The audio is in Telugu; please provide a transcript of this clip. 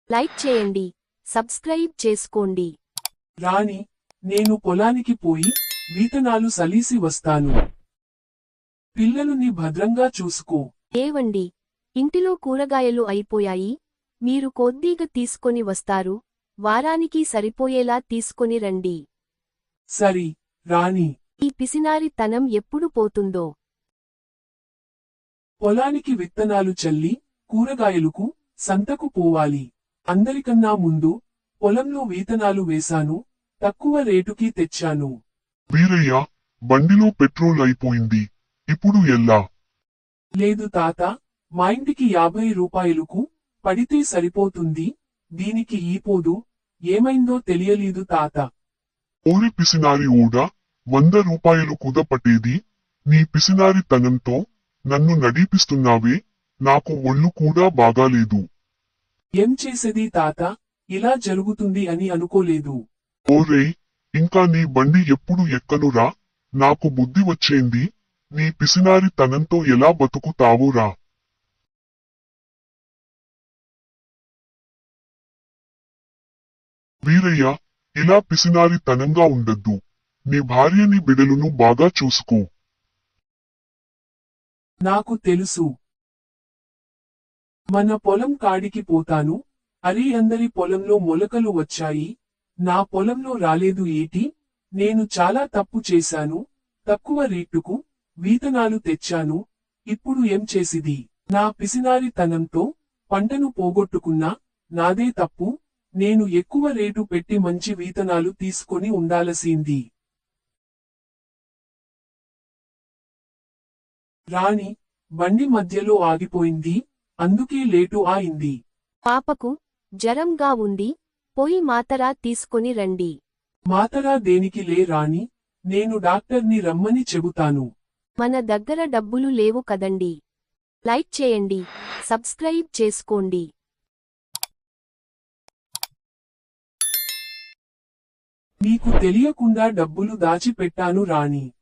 లైక్ చేయండి, సబ్స్క్రైబ్ చేసుకోండి. రాణి, నేను పొలానికి పోయి విత్తనాలు సలీసి వస్తాను. పిల్లలుని భద్రంగా చూసుకో. ఏవండి, ఇంటిలో కూరగాయలు అయిపోయాయి, మీరు కొద్దిగా తీసుకొని వస్తారు, వారానికి సరిపోయేలా తీసుకొని రండి. సరి, రాణి. ఈ పిసినారి తనం ఎప్పుడు పోతుందో. పొలానికి విత్తనాలు చల్లి కూరగాయలకు సంతకు పోవాలి. అందరికన్నా ముందు పొలంలో విత్తనాలు వేశాను, తక్కువ రేటుకి తెచ్చాను. వీరయ్య, బండిలో పెట్రోల్ అయిపోయింది, ఇప్పుడు ఎలా? లేదు తాత, మా ఇంటికి 50 రూపాయలకు పడితే సరిపోతుంది, దీనికి ఈపోదు. ఏమైందో తెలియలేదు తాత. ఓరి పిసినారి ఓడా, 100 రూపాయలు కుదపట్టేది, నీ పిసినారి తనంతో నన్ను నడిపిస్తున్నావే, నాకు ఒళ్ళు కూడా బాగాలేదు. ఏం చేసేది తాత, ఇలా జరుగుతుంది అని అనుకోలేదు. ఓరేయ్, ఇంకా నీ బండి ఎప్పుడు ఎక్కనురా, నాకు బుద్ధి వచ్చేంది, నీ పిసినారి తనంతో ఎలా బతుకుతావురా? వీరయ్య, ఇలా పిసినారి తనంగా ఉండద్దు, నీ భార్యని బిడలును బాగా చూసుకో. నాకు తెలుసు. మన పొలం కాడికి పోతాను. అరే, అందరి పొలంలో మొలకలు వచ్చాయి, నా పొలంలో రాలేదు ఏటి? నేను చాలా తప్పు చేశాను, తక్కువ రేటుకు విత్తనాలు తెచ్చాను, ఇప్పుడు ఏం చేసిది? నా పిసినారి తనంతో పంటను పోగొట్టుకున్నా, నాదే తప్పు. నేను ఎక్కువ రేటు పెట్టి మంచి విత్తనాలు తీసుకొని ఉండాల్సింది. రాణి, బండి మధ్యలో ఆగిపోయింది, అందుకే లేటు అయింది. పాపకు జరంగా ఉంది, పోయి మాతరా తీసుకొని రండి. మాతరా దేనికి లే రాణి, నేను డాక్టర్ని రమ్మని చెబుతాను. మన దగ్గర డబ్బులు లేవు కదండి. లైక్ చేయండి, సబ్స్క్రైబ్ చేసుకోండి. నీకు తెలియకుండా డబ్బులు దాచిపెట్టాను రాణి.